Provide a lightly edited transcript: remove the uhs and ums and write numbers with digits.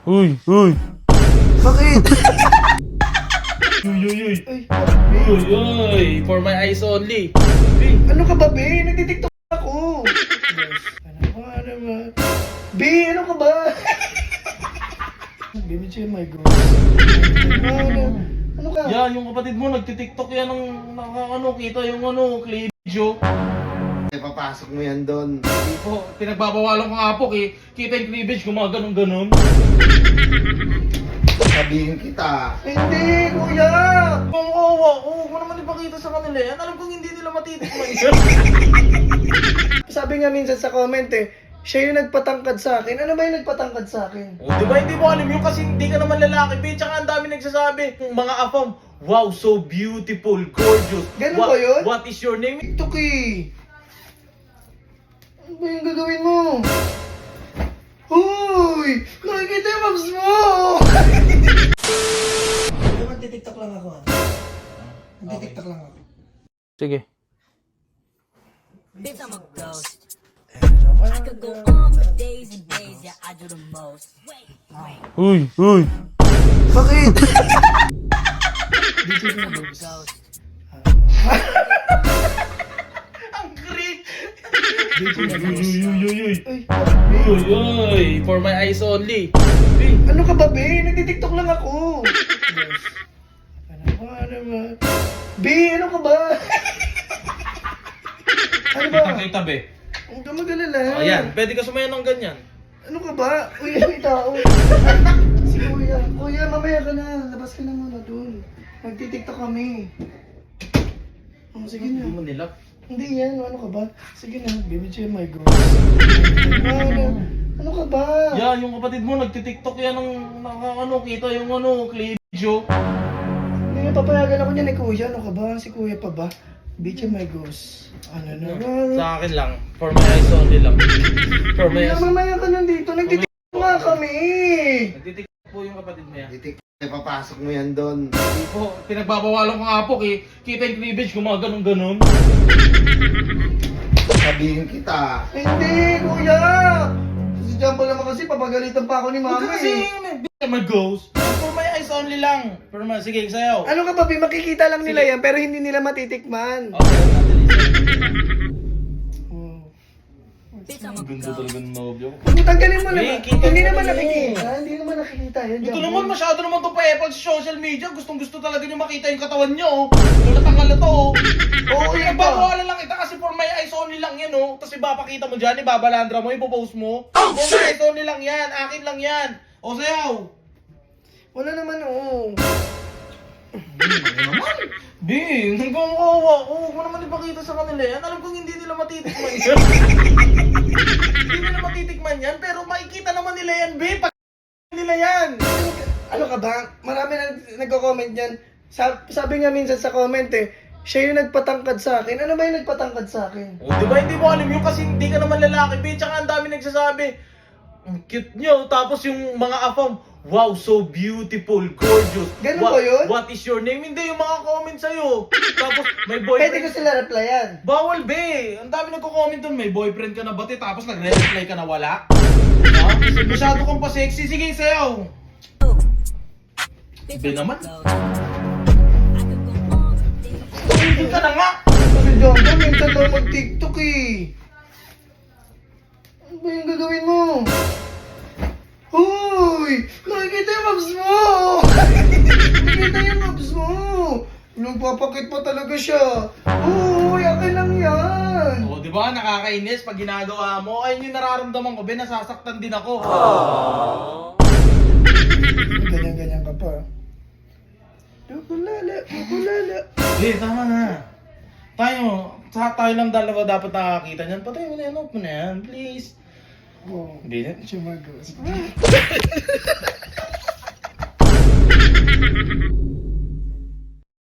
Uy, uy. Bakit? Uy, uy, uy. Ay, Uy, uy. For my eyes only. ano ka ba, be? Nagtitiktok ako. Ano ba? Be, ano ka ba? Baby J, my God. Ano ka? Yan, yung kapatid mo, nagtitiktok yan ng kita yung cleavage, oh. Papasok mo yan doon. Po, pinagbabawalan ko nga po, kita yung cleavage, gumaganon-ganon. Sabihin kita. Hindi, kuya! Kung kawa, huwag mo naman ipakita sa kanila yan. Alam kong hindi nila matitikman yan. Sabi nga minsan sa comment siya yung nagpatangkad sa akin. Ano ba yung nagpatangkad sa akin? O, di ba hindi mo alam yun kasi hindi ka naman lalaki, bitch. Tsaka ang dami nagsasabi. Mga afam, wow, so beautiful, gorgeous. Ganun ba yun? What is your name? TikTok eh. Ano ba yung gagawin mo? Hoy! Nakikita yung abs mo! Magti-tiktok lang ako Magti-tiktok lang ako. Sige. Bitch, I'm a ghost. I could go on for days and days, yeah, I do the most. Wait. Uy, uy. Bakit? Bitch, I'm a ghost. Ang great! Uy, Uy, Ay, uy, uy. For my eyes only. ano ka ba, be? Nagtitiktok lang ako. Ano ba? Be, ano ka ba? Ano ba? Kita, be. Huwag ka mag-alala. O yan, pwede ka sumayan ng ganyan. Ano ka ba? Uy, may tao. Si Kuya. Kuya, mamaya ka na. Labas ka na muna dun. Nagtitiktok kami. Oh, sige Hindi na. mo nila. Hindi yan. Ano ka ba? Sige na. Baby J, my God. Ano ka ba? Yan, yung kapatid mo, nagtitiktok yan ng kita yung cleavage, oh. Hindi papayagan ako niya ni Kuya. Ano ka ba? Si Kuya pa ba? BJ, my ghost. Ano na ba? Sa akin lang. For my eyes only lang. For my Kuya, eyes. mamaya ka nandito. Nagtitiktok nga kami. Nagtitiktok po yung kapatid mo yan. Titik. Papasok mo yan doon. Po, pinagbabawalan ko nga po, kita yung cleavage, gumaganon-ganon. Sabihin kita. Hindi, Kuya. Si Jumbo naman kasi papagalitan pa ako ni Huwag Mama ka kasi, my ghost. For my eyes only lang. For my, sige, sayaw. Ano ka ba, Bi? Makikita lang nila yan, pero hindi nila matitikman. Okay, Natalie. Oh. Bitch, I'm a Ganda ghost. talaga ng nobyo. Tanggalin mo Hey, naman. kita Hindi mo naman na nakikita. Hindi naman nakikita yan. Ito Jumbo. naman, masyado naman to pa-epal sa social media. Gustong-gusto talaga nyo makita yung katawan nyo, oh. Kulat to, oh. Oo, yan ba? Nagbabawalan lang kita kasi for my eyes only lang yan, oh. Tapos ipapakita mo dyan, ibabalandra mo, ipopost mo. For my eyes only lang yan, akin lang yan. O sayaw. Wala naman, oo. Di, hanggang kawa. Huwag mo naman ipakita sa kanila yan. Alam kong hindi nila matitikman yan. Hindi nila matitikman yan, pero makikita naman nila yan, be. Pag nila yan. Ano ka ba? Marami na nagko-comment yan. Sabi nga minsan sa comment siya yung nagpatangkad sa akin. Ano ba yung nagpatangkad sa akin? O, di ba hindi mo alam yun kasi hindi ka naman lalaki, be. Tsaka ang dami nagsasabi. Ang cute nyo. Tapos yung mga afam, wow, so beautiful, gorgeous. Ganun ba yun? What is your name? Hindi, yung mga comment sa'yo. Tapos may Pwede ko boyfriend. sila replyan. Bawal, be. Ang dami nagko-comment doon. May boyfriend ka na ba, te? Tapos nagre-reply ka na wala. Ha? Kasi masyado kang pa-sexy. Sige, sayaw. Bitch, Be I'm a naman. ghost. I could go on for days. Hindi ka na nga. Kasi Jumbo, minsan daw mag-tiktok Ano ba yung gagawin mo? Hoy! Nakikita yung abs mo! Nakikita yung abs mo! Nagpapakit pa talaga siya. Hoy! Akin lang yan! O, di ba? Nakakainis pag ginagawa mo. Ayun yung nararamdaman ko, be. Nasasaktan din ako. Ganyan-ganyan ka pa. Lukulala, lukulala. Be, tama na. Tayo lang dalawa dapat nakakita niyan. Patay mo na yan, off mo na yan, please. Oh, Hindi na. siya mag-ghost.